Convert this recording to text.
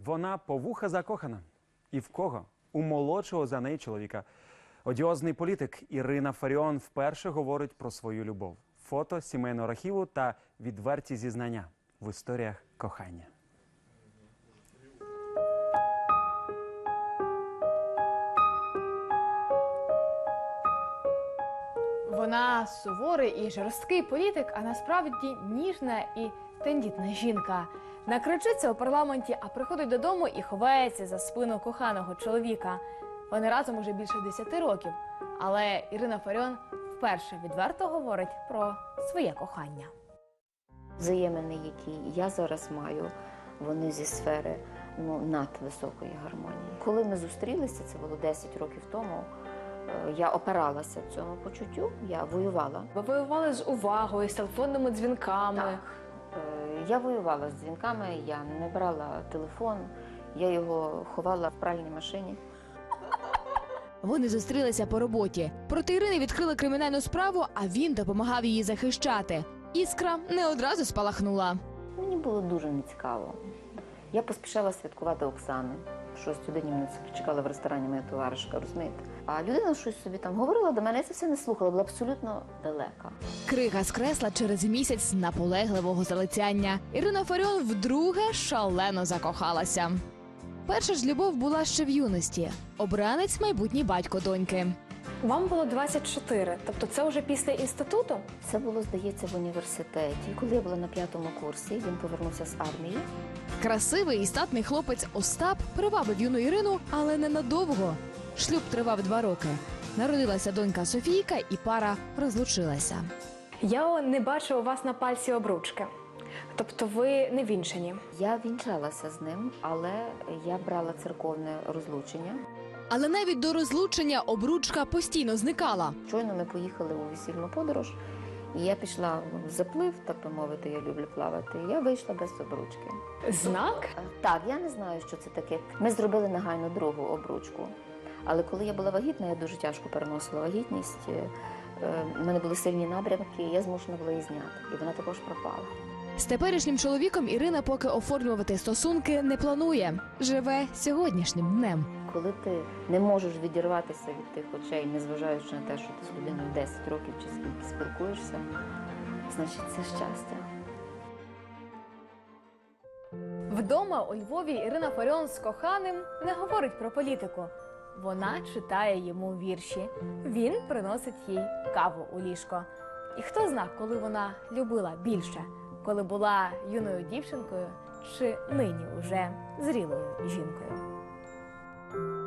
Вона по вуха закохана. І в кого? У молодшого за неї чоловіка. Одіозний політик Ірина Фаріон вперше говорить про свою любов. Фото сімейного архіву та відверті зізнання в історіях кохання. Вона суворий і жорсткий політик, а насправді ніжна і тендітна жінка. Накричиться у парламенті, а приходить додому і ховається за спину коханого чоловіка. Вони разом уже більше 10 років. Але Ірина Фаріон вперше відверто говорить про своє кохання. Взаємини, які я зараз маю, вони зі сфери надвисокої гармонії. Коли ми зустрілися, це було 10 років тому, я опиралася цьому почуттю, я воювала. Ви воювали з увагою, з телефонними дзвінками. Так. Я воювала з дзвінками, я не брала телефон, я його ховала в пральній машині. Вони зустрілися по роботі. Проти Ірини відкрили кримінальну справу, а він допомагав її захищати. Іскра не одразу спалахнула. Мені було дуже нецікаво. Я поспішала святкувати Оксани. В 6 годині мене чекала в ресторані моя товаришка, розумієте? А людина щось собі там говорила до мене, я це все не слухала, була абсолютно далека. Крига скресла через місяць наполегливого залицяння. Ірина Фаріон вдруге шалено закохалася. Перша ж любов була ще в юності. Обранець – майбутній батько доньки. Вам було 24, тобто це вже після інституту? Це було, здається, в університеті. Коли я була на 5-му курсі, він повернувся з армії. Красивий і статний хлопець Остап привабив юну Ірину, але ненадовго. Шлюб тривав 2 роки. Народилася донька Софійка, і пара розлучилася. Я не бачу у вас на пальці обручки. Тобто ви не вінчані. Я вінчалася з ним, але я брала церковне розлучення. Але навіть до розлучення обручка постійно зникала. Щойно ми поїхали у весільну подорож, і я пішла в заплив, так би мовити, я люблю плавати, і я вийшла без обручки. Знак? Так, я не знаю, що це таке. Ми зробили негайно другу обручку. Але коли я була вагітна, я дуже тяжко переносила вагітність. У мене були сильні набрямки, я змушена була її зняти. І вона також пропала. З теперішнім чоловіком Ірина поки оформлювати стосунки не планує. Живе сьогоднішнім днем. Коли ти не можеш відірватися від тих очей, незважаючи на те, що ти з людиною 10 років чи скільки спілкуєшся, значить це щастя. Вдома у Львові Ірина Фаріон з коханим не говорить про політику. Вона читає йому вірші. Він приносить їй каву у ліжко. І хто зна, коли вона любила більше, коли була юною дівчинкою чи нині уже зрілою жінкою.